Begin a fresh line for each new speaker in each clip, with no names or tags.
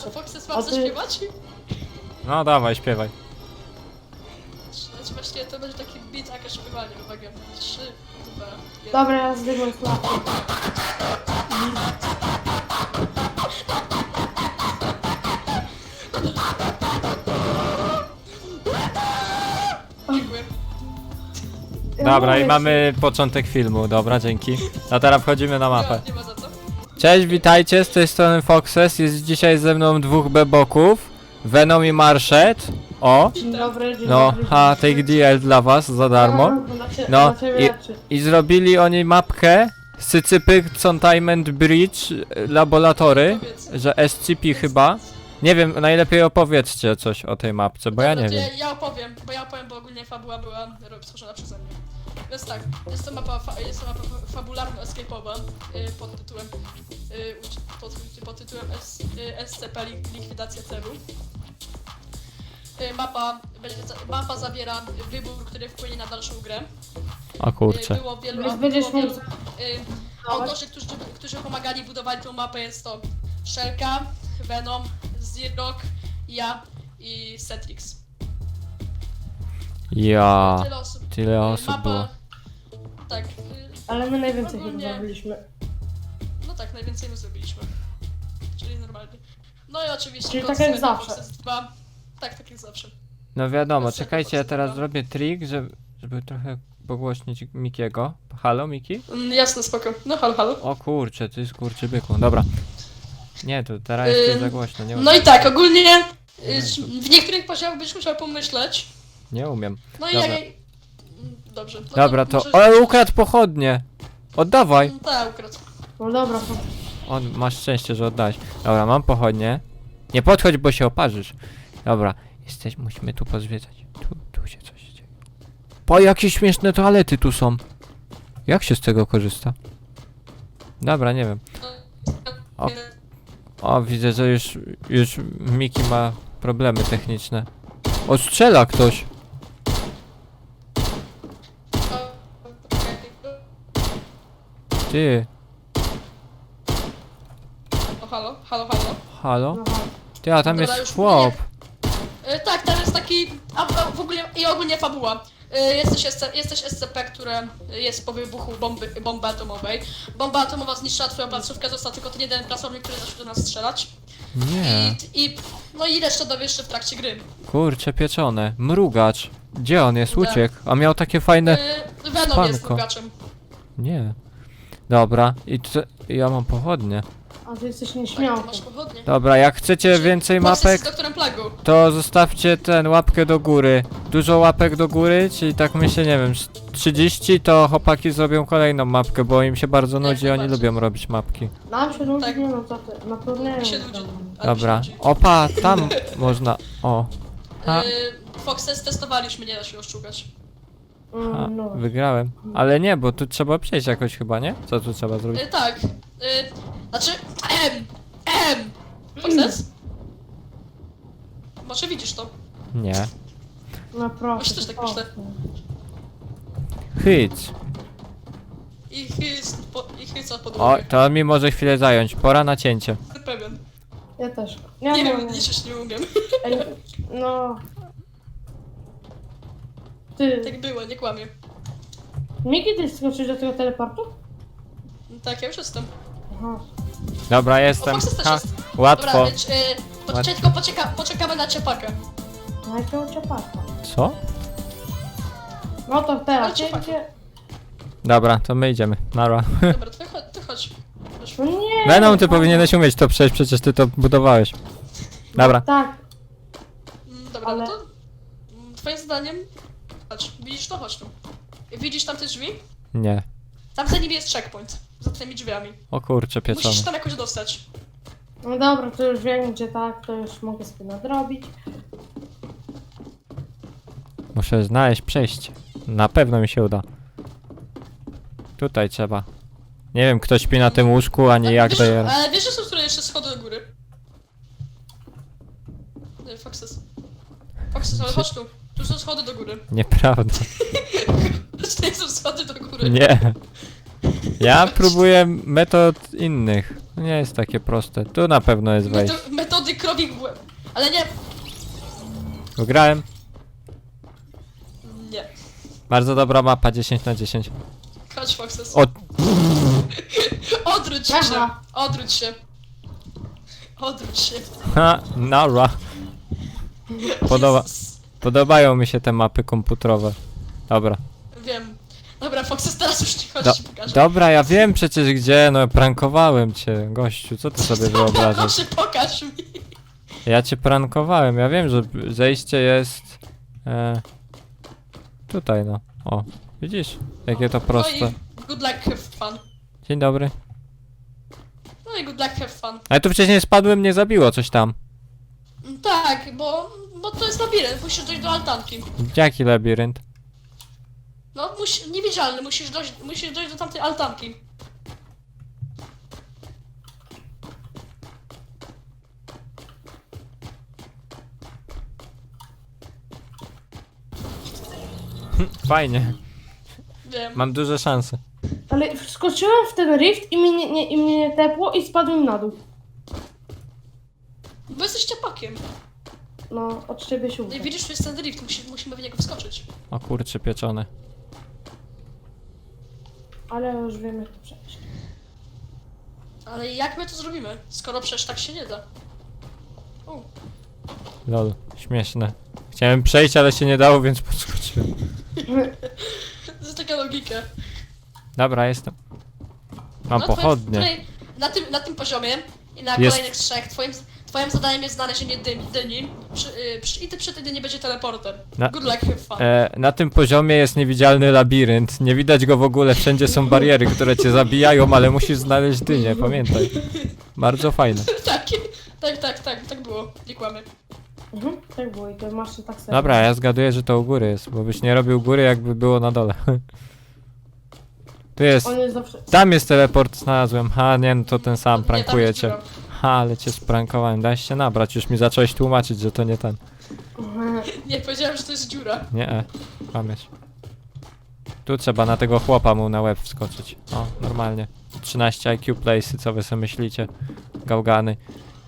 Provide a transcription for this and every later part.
A Foxes mam zaśpiewać?
No dawaj, śpiewaj.
Znaczy właśnie to będzie taki beat, jakaś śpiewanie. Uwaga, 3, 2, 1.
Dobra, ja zdygłem flagę.
Dziękuję.
Dobra, i mamy początek filmu, dobra, dzięki. A teraz wchodzimy na mapę.
Nie ma za co.
Cześć, witajcie, z tej strony Foxes, jest dzisiaj ze mną dwóch beboków, Venom i Marshet. O,
Dzień dobry, dzień
no,
dobry.
take DL dla was za darmo. No, i zrobili oni mapkę Sycypy Containment Bridge Laboratory, że SCP chyba. Nie wiem, najlepiej opowiedzcie coś o tej mapce, bo ja
Dobra,
nie
to
wiem.
Ja opowiem, bo ogólnie fabuła była stworzona przeze mnie. Więc tak, jest to mapa fabularno-escape'owa pod tytułem SCP Likwidacja celu. Mapa zawiera wybór, który wpłynie na dalszą grę.
O kurczę.
Było wielu autorzy, którzy pomagali budować tą mapę. Jest to Shelka, Venom, Zirok, ja i Cetrix.
Ja,
Tyle osób.
tyle osób było.
Tak.
Ale my najwięcej chyba
ogólnie-
zrobiliśmy.
No tak, najwięcej my zrobiliśmy. Czyli normalnie. No i oczywiście...
Czyli
Ghost
tak jak
Recon
zawsze.
Foxes 2. Tak jak zawsze.
No wiadomo,
Bez
czekajcie, ja
tego
teraz
podsłucha.
zrobię trik, żeby trochę pogłośnić Mikiego. Halo, Miki?
Jasne, spoko. No halo, halo.
O kurczę, ty skurczybyku, dobra. Nie, to teraz jest za głośno, nie
No i tak, ogólnie w niektórych poziomach byś musiał pomyśleć.
Nie umiem.
No i
Dobra.
jak... Dobrze. No
Dobra, to...
możesz-
O, ukradł pochodnie! Oddawaj!
Tak, ukradł.
No dobra,
Masz szczęście, że oddałeś. Dobra, mam pochodnie. Nie podchodź, bo się oparzysz. Dobra, musimy tu pozwiedzać. Tu się coś dzieje. Po, jakie śmieszne toalety tu są. Jak się z tego korzysta? Dobra, nie wiem. O. O, widzę, że już Miki ma problemy techniczne. O, strzela ktoś. Ty,
O, halo, halo, halo.
halo?
no.
Ty, a tam
Dobra,
jest
już
chłop.
Tak, tam jest taki... A w ogóle... I ogólnie fabuła. Jesteś SCP, które jest po wybuchu bomby atomowej. Bomba atomowa zniszczyła twoją placówkę, został tylko ten jeden pracownik, który zaczął do nas strzelać.
Nie.
No i resztę dowiesz się w trakcie gry.
Kurcze pieczone. Mrugacz. Gdzie on jest?
Tak.
Uciekł. A miał takie fajne...
Venom jest
spanko.
mrugaczem.
Nie. Dobra. Ja mam pochodnie.
A ty jesteś
Tak,
nieśmiałką.
ty masz pochodnie.
Dobra, jak chcecie więcej
Foxes
mapek,
z doktorem Plagą.
to zostawcie łapkę do góry. Dużo łapek do góry, czyli tak myślę, nie wiem, z 30, to chłopaki zrobią kolejną mapkę, bo im się bardzo nudzi, oni
najbardziej.
lubią robić mapki.
Nam się nudzi,
Tak.
nie no co ty, na turnieju.
Mi się nudzi. Ale
Dobra.
mi się nudzi.
Opa, tam można... O. A.
Foxes testowaliśmy, nie da się oszukać.
A,
No.
wygrałem. Ale nie, bo tu trzeba przejść jakoś chyba, nie? Co tu trzeba zrobić?
Tak. Znaczy... Foxes? Może widzisz to?
Nie.
No proszę.
Właśnie też tak myślę.
Hyc.
I chyca pod
O, to mi może chwilę zająć. Pora na cięcie.
pewien.
Ja też.
Nie wiem, liczyć nie umiem.
Ej, no. Ty,
Tak było, nie kłamię.
Miki, ty skoczysz do tego teleportu?
Tak, ja już jestem.
Aha.
Dobra, jestem.
O, Foxes też
Ha,
jest.
łatwo.
Dobra, więc tylko poczekamy na ciepakę.
No jakiego ciepaka.
Co?
No to teraz,
Ale ciepaka.
gdzie?
Dobra, to my idziemy. Nara.
Dobra, ty chodź.
No nie!
Venom, ty powinieneś umieć to przejść, przecież ty to budowałeś. Dobra.
Tak,
Dobra,
Ale-
no to... Twoim zdaniem... Patrz, widzisz to? Chodź tu. Widzisz tam te drzwi?
Nie.
Tam za nimi jest checkpoint. Za tymi drzwiami.
O kurczę, pieczone.
Musisz tam jakoś dostać.
no dobra, to już wiem gdzie tak, to już mogę sobie nadrobić.
Muszę znaleźć przejście. Na pewno mi się uda. Tutaj trzeba. Nie wiem, kto śpi na tym łóżku, ani jak
wiesz,
daje.
ale wiesz, że są które jeszcze schody do góry? Nie, Foxes. Foxes, ale chodź tu. Tu są schody do góry.
Nieprawda.
Tutaj są schody do góry.
Nie. Ja próbuję metod innych. To nie jest takie proste. Tu na pewno jest wejście.
Metody Foxowi w łeb. Ale nie.
Wygrałem.
Nie.
Bardzo dobra mapa, 10/10.
Chodź, Foxes.
O,
Odwróć się.
Aha.
Odwróć się. Odwróć się.
ha, nara.
Jezus.
Podobają mi się te mapy komputerowe. Dobra.
Wiem. Dobra, Foxes, teraz już nie chodź,
Do,
ci pokażę.
dobra, ja wiem przecież gdzie, no prankowałem cię, gościu, co ty sobie wyobrażasz?
Proszę, pokaż mi.
Ja cię prankowałem, ja wiem, że zejście jest... tutaj no, o, widzisz? Jakie to proste.
No i good luck, have fun.
Dzień dobry.
No i good luck, have fun.
Ale tu wcześniej spadłem, mnie zabiło coś tam.
Tak, bo to jest labirynt, musisz dojść do altanki.
Jaki labirynt?
No, niewidzialny, musisz dojść do tamtej altanki.
Fajnie,
Wiem.
mam duże szanse.
Ale wskoczyłem w ten rift i mnie nie tepło i spadłem na dół.
Bo jesteś ciapakiem.
No, od ciebie się
No i
uda.
widzisz, tu jest ten rift, musimy w niego wskoczyć.
O kurcze pieczone.
Ale już wiem jak to przejść.
Ale jak my to zrobimy, skoro przecież tak się nie da? U,
Lol, śmieszne. Chciałem przejść, ale się nie dało, więc podskoczyłem.
to jest taka logika.
Dobra, jestem. Mam
No,
pochodnie.
Na tym poziomie i na
Jest.
kolejnych trzech twoim zadaniem jest znalezienie dyni i ty przy tej dyni będzie teleporter.
Na-
Good luck, have fun.
Na tym poziomie jest niewidzialny labirynt. Nie widać go w ogóle, wszędzie są bariery, które cię zabijają, ale musisz znaleźć dynię, pamiętaj. Bardzo fajne.
Tak było, nie kłamy.
Tak było i to masz tak samo.
Dobra, ja zgaduję, że to u góry jest, bo byś nie robił góry, jakby było na dole. Tu jest.
On jest zawsze...
Tam jest teleport, znalazłem. Ha, nie, no to ten sam,
Nie, tam
prankuje
jest
cię.
dziura.
Ha, ale cię sprankowałem, dałeś się nabrać, już mi zacząłeś tłumaczyć, że to nie ten.
Nie, powiedziałem, że to jest dziura.
Nie, kłamiesz. Tu trzeba na tego chłopa mu na łeb wskoczyć. O, normalnie. 13 IQ place'y, co wy sobie myślicie? Gałgany.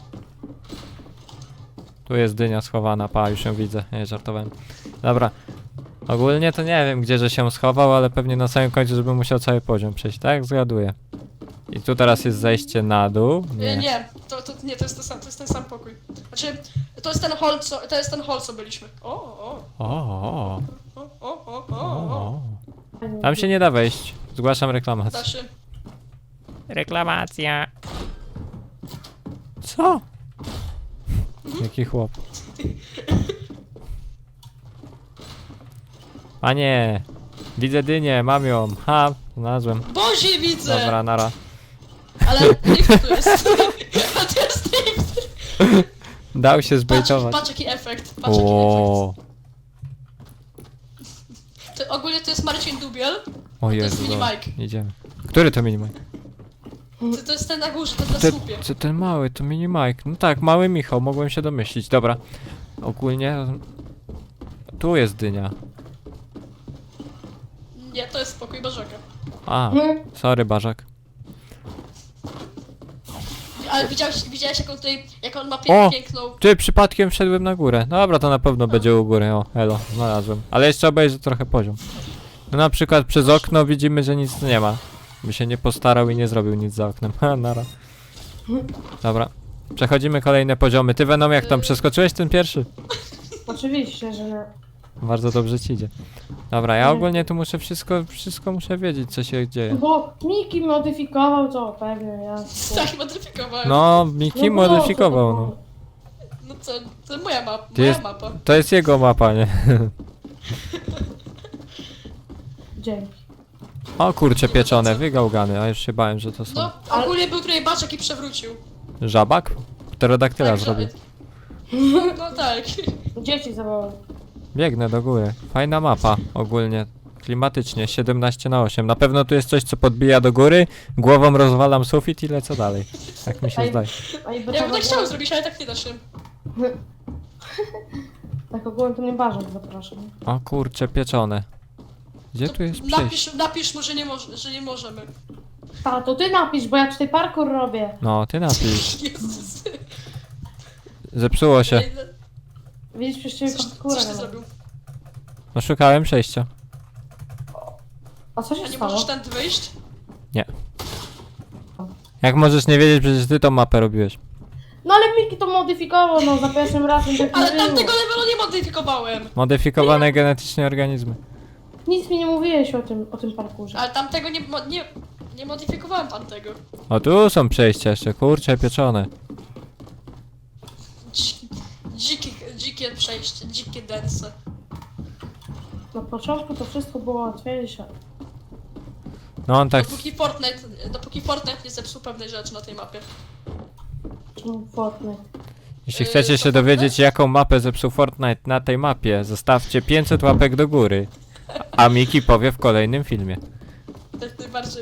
Tu jest dynia schowana, pa, już ją widzę, nie, żartowałem. Dobra. Ogólnie to nie wiem, gdzie że się schował, ale pewnie na samym końcu, żeby musiał cały poziom przejść, tak? Zgaduję. I tu teraz jest zejście na dół.
Nie, nie, to jest ten sam pokój. Znaczy, to jest ten hall, co byliśmy. O.
O.
O.
Tam się nie da wejść. Zgłaszam reklamację.
Da się.
Reklamacja. Co? Jaki chłop. Panie, widzę dynię, mam ją. Ha, znalazłem.
Bozie widzę!
Dobra, nara.
Ale rift tu jest. A to jest rift.
Dał się zbejtować.
Patrz jaki efekt. Patrz jaki efekt.
O,
Ogólnie to jest Marcin Dubiel.
o
jest
Jezu,
mini
dobra.
Mike.
Idziemy. Który to mini Mike?
To jest ten na górze, ten na
Te,
słupie.
ten mały, to mini Mike. No tak, mały Michał, mogłem się domyślić. Dobra. Ogólnie... Tu jest dynia.
Nie, to jest pokój Barzaka.
A, sorry Barzak.
Ale widziałeś jak on ma
O!
piękną...
Ty, przypadkiem wszedłem na górę. Dobra, to na pewno będzie u góry. O, elo, znalazłem. Ale jeszcze obejrzę trochę poziom. No na przykład przez okno widzimy, że nic nie ma. By się nie postarał i nie zrobił nic za oknem. Ha, nara. Dobra. Przechodzimy kolejne poziomy. Ty Venom, jak tam przeskoczyłeś ten pierwszy?
Oczywiście, że nie.
Bardzo dobrze ci idzie. Dobra, ja ogólnie tu muszę wszystko muszę wiedzieć, co się dzieje.
Bo Miki modyfikował to, pewnie ja.
Tak, modyfikowałem.
No, Miki
No bo
modyfikował,
co
no.
No co, to moja mapa.
Ty
Moja
jest-
mapa.
To jest jego mapa, nie?
Dzięki.
O kurcze pieczone, wygałgany, a już się bałem, że to są...
No, ogólnie był tutaj Baczek i przewrócił.
Żabak? Pterodaktyla
Tak,
zrobił.
No tak.
Dzieci zawołał.
Biegnę do góry. Fajna mapa ogólnie. Klimatycznie, 17/8. Na pewno tu jest coś, co podbija do góry, głową rozwalam sufit i lecę dalej. Tak mi się
Ej.
zdaje.
A i
Ja bym tak chciał zrobić, ale tak nie da się.
Tak ogółem to mnie Barzak zapraszam.
O kurcze pieczone. Gdzie tu jest przejście?
Napisz mu, że nie możemy.
To ty napisz, bo ja tutaj parkour robię.
No, ty napisz.
Jezus.
Zepsuło się.
Widzisz, przecież ciebie
Coś
konfigurę.
ty zrobił?
No szukałem przejścia.
A co
A
się
nie
stało?
możesz tędy wyjść?
Jak możesz nie wiedzieć, przecież ty tą mapę robiłeś.
No ale Miki to modyfikował, no za pierwszym razem tak
Ale
nie było.
tamtego levelu nie modyfikowałem.
Modyfikowane genetycznie organizmy.
Nic mi nie mówiłeś o tym parkurze.
Ale tamtego nie modyfikowałem tamtego.
O, tu są przejścia jeszcze, kurcze pieczone.
Dzikie przejście, dzikie dense.
Na początku to wszystko było łatwiejsze.
No on tak...
Dopóki Fortnite nie zepsuł pewnej rzeczy na tej mapie.
Czemu Fortnite?
Jeśli chcecie się dowiedzieć, jaką mapę zepsuł Fortnite na tej mapie, zostawcie 500 łapek do góry. A Miki powie w kolejnym filmie.
Tak najbardziej.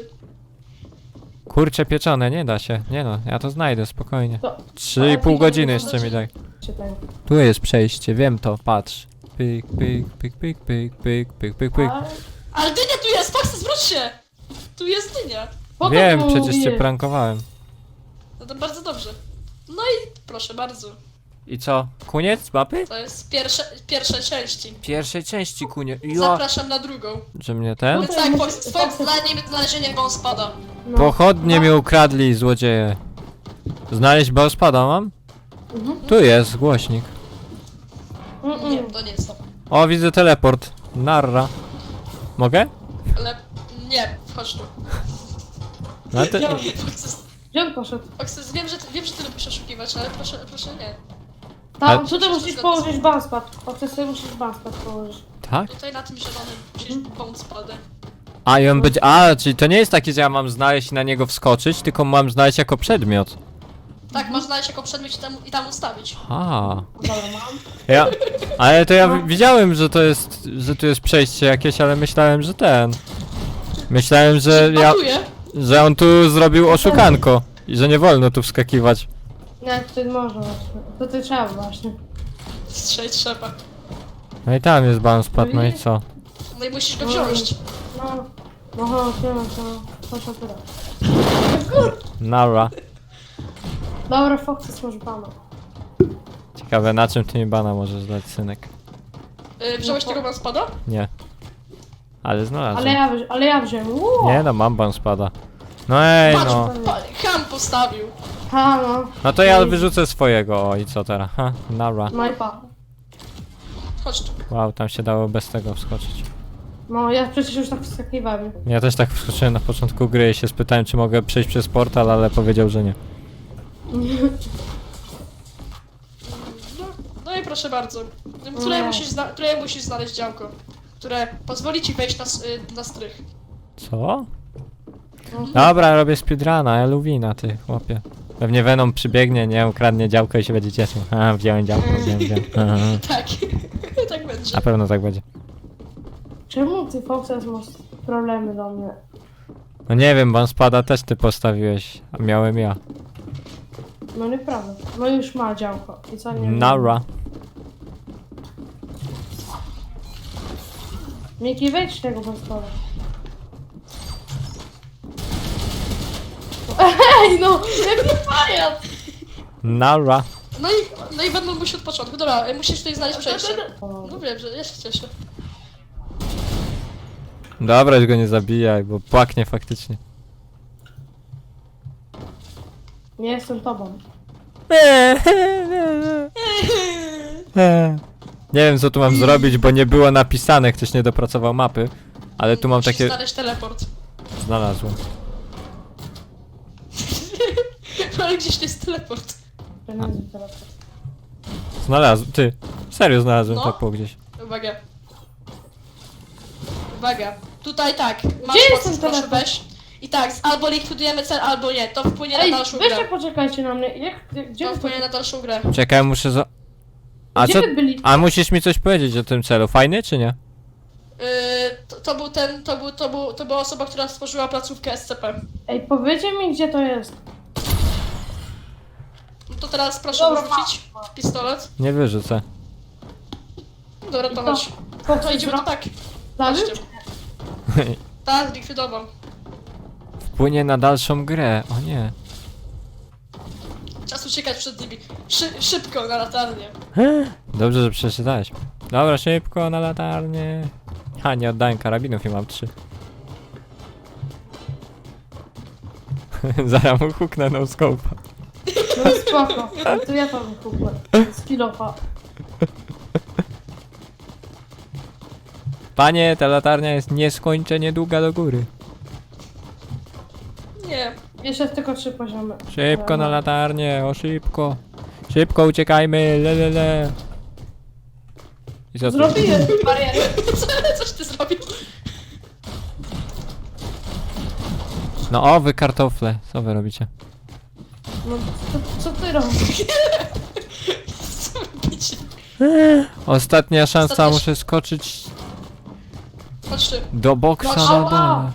Kurcze pieczone, nie da się. Nie no, ja to znajdę spokojnie.
To
3,5 godziny jeszcze mi daj.
czytaj.
Tu jest przejście, wiem to, patrz. Pyk, pyk, pyk, pyk, pyk, pyk, pyk, pyk, pyk.
Ale dynia tu jest, Foxy, zwróć się! Tu jest dynia.
Po co
Wiem,
ty mu
przecież cię
mówiłeś?
prankowałem.
No to bardzo dobrze. No i proszę bardzo.
I co? Koniec mapy?
To jest pierwsze części.
Pierwszej części kunie. Jo,
Zapraszam na drugą.
że mnie ten?
Więc tak, Foxy, twoim zdaniem znalezienie Bonespada.
No.
Pochodnie mi ukradli, złodzieje. Znaleźć Bonespada mam?
Mhm.
Tu jest głośnik.
Nie, to nie jest to.
O, widzę teleport. Narra. Mogę?
Ale nie, chodź tu.
No ty...
Foxy,
Gdzie on poszedł?
wiem, że ty lubisz oszukiwać, ale proszę nie.
Tam,
Ale-
tutaj musisz położyć banspad. O, ty sobie musisz banspad położyć.
Tak?
Tutaj na tym zielonym musisz Bonespadę.
A i on będzie... A, czyli to nie jest takie, że ja mam znaleźć i na niego wskoczyć, tylko mam znaleźć jako przedmiot.
Tak, masz znaleźć jako przedmiot i tam ustawić.
A.
Dobra, mam.
Ja... Ale to ja widziałem, że to jest... że tu jest przejście jakieś, ale myślałem, że ten... Myślałem, że ja...
Patuję.
że on tu zrobił oszukanko. I że nie wolno tu wskakiwać.
Nie, tutaj można właśnie. To ty trzeba właśnie.
Strzej trzeba.
No i tam jest bouncepad, no i co?
No i musisz go wziąć.
No. No chodź, chodź tyle.
Nara.
Dobra, Foxy, masz bana.
Ciekawe, na czym ty mi bana możesz dać, synek?
Wziąłeś tego Bonespada?
Nie. Ale znalazłem.
Ale ja wziąłem.
Nie no, mam bouncepada. No ej
Patrz,
no.
Ham postawił.
Ha, no.
No to ja wyrzucę swojego, o i co teraz? Ha, nara.
No i pa.
Chodź tu.
Wow, tam się dało bez tego wskoczyć.
No, ja przecież już tak wskakiwałem.
Ja też tak wskoczyłem na początku gry i się spytałem, czy mogę przejść przez portal, ale powiedział, że nie.
No i proszę bardzo.
Nie.
Tutaj musisz znaleźć działko, które pozwoli ci wejść na strych.
Co? Dobra, robię speedruna, Eluwina, ty chłopie. Pewnie Venom przybiegnie, nie, ukradnie działko i się będzie cieszył. A, wziąłem działko, wziąłem. Aha.
Tak. Tak będzie.
Na pewno tak będzie.
Czemu ty, Foxy, masz problemy do mnie?
No nie wiem, bouncepada też ty postawiłeś, a miałem ja.
No nieprawda. No już ma działko. I co nie?
Nara.
Miki, wejdź tego banspada. Ej, no! Jaki pajac!
Nara.
No i będą musi od początku. Dobra, musisz tutaj znaleźć przejście. No wiem, że ja się cieszę.
Dobra, już go nie zabijaj, bo płaknie faktycznie.
Nie jestem tobą.
Nie wiem co tu mam zrobić, bo nie było napisane, ktoś nie dopracował mapy. Ale tu mam
Musisz
takie...
znaleźć teleport.
Znalazłem.
Ale gdzieś to jest teleport.
Pieniądze teraz.
Znalazłem, ty. Serio znalazłem
No.
tak po gdzieś.
Uwaga. Uwaga. Tutaj tak. Masz
jest
proces,
ten
proszę
teleport?
weź. I tak, albo likwidujemy cel, albo nie. To wpłynie
Ej,
na dalszą
weźcie
grę.
poczekajcie na mnie. Gdzie
To
wy
wpłynie na dalszą grę.
Czekaj, muszę za... A
Gdzie
co...
wy byli?
A musisz mi coś powiedzieć o tym celu, fajny czy nie?
To była osoba, która stworzyła placówkę SCP.
Ej, powiedzcie mi, gdzie to jest.
No to teraz proszę
Dobra,
wyrzucić pistolet.
Nie wyrzucę.
Dobra, to chodź. To idziemy to tak.
Zabił?
Chodźcie. Tak, zlikwidował.
Wpłynie na dalszą grę, o nie.
Czas teraz uciekać przed nimi. Szybko na latarnię.
Dobrze, że przeczytałeś. Dobra, szybko na latarnię. Ha, nie oddałem karabinów i mam 3. Zaraz mu huknę no scope'a.
No spoko. To ja tam kupię. Z kilofa.
Panie, ta latarnia jest nieskończenie długa do góry.
Nie.
Jeszcze tylko 3 poziomy.
Szybko na latarnię, o szybko. Szybko uciekajmy, le. I co tu?
Zrobiłem barierę.
Coś ty zrobił?
No o, wy kartofle, co wy robicie?
No co ty robisz?
Co robicie?
Ostatnia szansa,
Ostatnia-
muszę skoczyć
Chodź tu.
do boksa
No,
na
ała.
dole.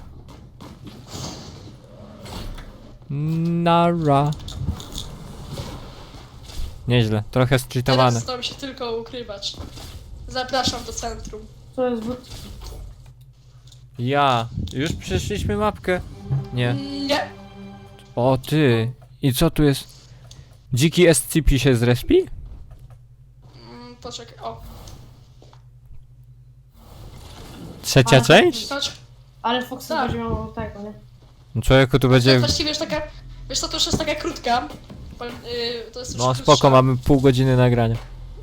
Nara. Nieźle, trochę streetowane.
Teraz to się tylko ukrywać. Zapraszam do centrum.
To jest but.
Ja, już przeszliśmy mapkę. Nie.
Nie.
O ty. I co tu jest? Dziki SCP się zrespi?
Poczekaj, o.
Trzecia
Ale-
część?
Chodź.
Ale Fox
Tak.
będzie miał tego, nie?
No człowieku, tu będzie...
Właściwie już taka, wiesz co, to już jest taka krótka. To jest już
No
krótsza.
spoko, mamy pół godziny nagrania.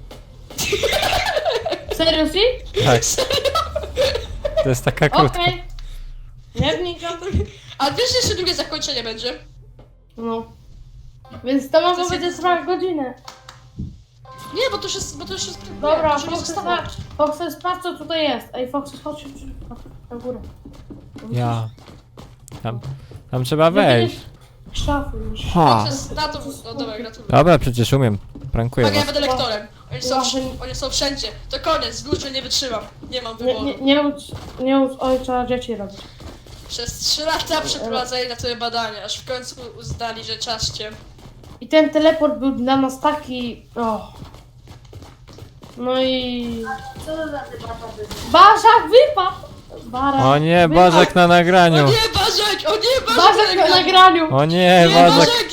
Seriously?
Tak. To jest taka krótka.
Okej. Nie wnikam.
A wiesz, że jeszcze drugie zakończenie będzie?
No. Więc to
To
mogło
jest
być
jeden-
trwać godzinę.
Nie, bo to już jest...
Dobra,
to już nie zostało.
Foxy, sprawdź co tutaj jest. Ej, Foxy, chodź na górę.
Ja. Tam trzeba wejść.
Szafy już.
Ha.
Na to... No dobra, gratuluję.
Dobra, przecież umiem. Prankuję
Tak, ja
was.
będę lektorem.
Łażę-
Oni są wszędzie. To koniec, dłużej nie wytrzymam. Nie mam
Nie,
wyboru.
nie ucz ojca dzieci robić.
Przez 3 lata przeprowadzali na to badania, aż w końcu uznali, że czas cię.
I ten teleport był dla nas taki... O. No i...
Co to za debata będzie?
Barzak wypadł! Barak
O nie,
wypadł.
Bożek na
O
nagraniu.
nie, Barzek! O nie, Barzek!
Barzak na nagraniu!
O nie,
Nie,
Bożek.
Barzek!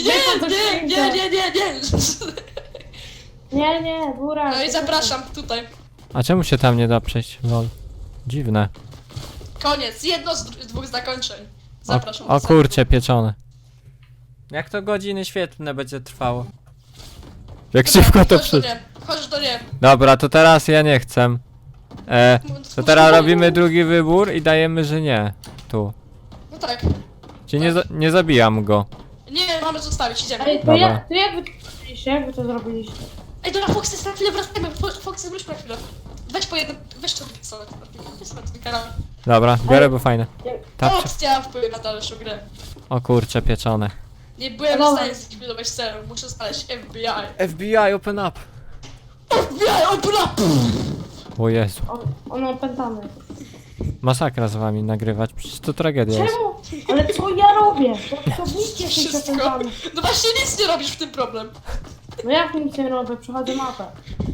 Nie!
Nie, Burak.
No i zapraszam tutaj.
A czemu się tam nie da przejść? Lol. Dziwne.
Koniec, jedno z dwóch zakończeń.
O,
Zapraszam.
o kurcze, pieczone. Jak to godziny świetlne będzie trwało? Jak szybko to przy...
Chodź do nie.
Dobra, to teraz ja nie chcę. To teraz robimy drugi wybór i dajemy, że nie. Tu.
No tak.
Czyli nie zabijam go.
Nie, mamy zostawić, idziemy.
Ej, to
Dobra.
jak wy to zrobiliście? Jak wy to zrobiliście?
Ej, dobra, Foxy, na chwilę wracajmy. Foxy, wróć na chwilę. Weź po jednym, weź to sobie. Weź sobie ten kanał.
Dobra, biorę, bo fajne. Tapcie.
Opcja wpływ na dalszą grę.
O kurcze, pieczone.
Nie byłem w
Dobra.
stanie zlikwidować celu. Muszę znaleźć FBI.
FBI, open up.
FBI, open up!
O Jezu.
Ono opętane.
Masakra z wami nagrywać, przecież to tragedia jest.
Czemu? Ale co ja robię? To nic jesteś
Wszystko.
opętany.
No właśnie nic nie robisz w tym problem.
No jak nic nie robię? Przechodzę mapę.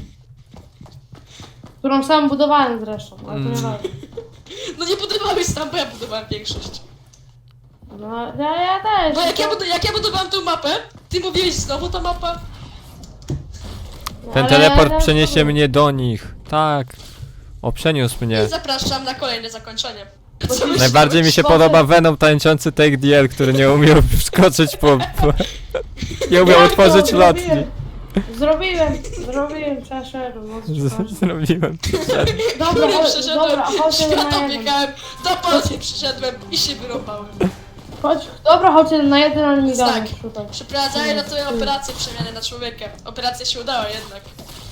Którą sam budowałem zresztą, ale to nie ważne.
No nie budowałeś sam, bo ja budowałem większość.
No ja też.
Bo jak ja budowałem tą mapę, ty mówiłeś znowu ta mapa.
Ten
Ale
teleport
ja
przeniesie
też-
mnie do nich. Tak. O, przeniósł mnie.
I zapraszam na kolejne zakończenie.
Bo
Co
ty-
Najbardziej mi się
Boże.
podoba Venom tańczący Take DL, który nie umiał wskoczyć po... Nie umiał
Jak to
otworzyć lotni.
Zrobiłem, przeszedłem. No, przepraszam.
Zrobiłem.
Dobra,
Ja
chodź,
przeszedłem,
dobra, chodźcie na
świata
jeden.
biegałem, do Polski przyszedłem i się wyrąbałem.
Dobra, chodźcie na jeden, ale nie
Więc
gadaj
tak.
tutaj.
Przeprowadzali na twoją operację przemiany na człowieka. Operacja się udała jednak.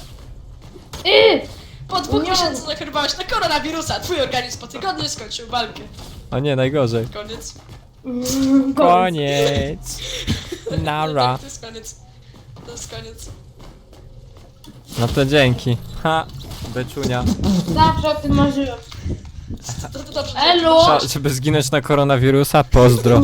Po 2
Nie.
miesiącach zachorowałeś na koronawirusa. Twój organizm po tygodniu skończył walkę.
O nie, najgorzej.
Koniec.
Koniec. Nara.
To jest koniec. To jest koniec.
No to dzięki. Ha. Beczunia.
Zawsze o tym marzyłem.
To dobrze.
Elo!
Żeby zginąć na koronawirusa, pozdro.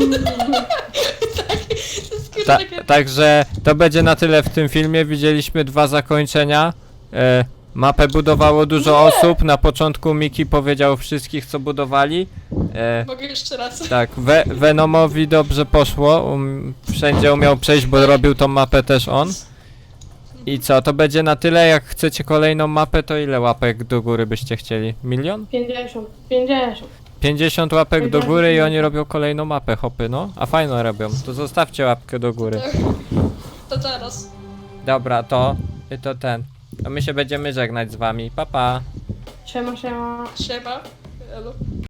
To
Ta,
jest takie...
także to będzie na tyle w tym filmie. Widzieliśmy 2 zakończenia. Mapę budowało dużo osób. Na początku Miki powiedział wszystkich, co budowali.
Mogę jeszcze raz.
Tak, Venomowi dobrze poszło. Wszędzie umiał przejść, bo robił tą mapę też on. I co, to będzie na tyle. Jak chcecie kolejną mapę, to ile łapek do góry byście chcieli? 1 000 000?
50. 50.
50 łapek do góry i oni robią kolejną mapę, hopy, no. A fajną robią. To zostawcie łapkę do góry.
To teraz.
Dobra, to ten. A my się będziemy żegnać z wami. Pa, pa.
Siema, siema.
Siema. Elo.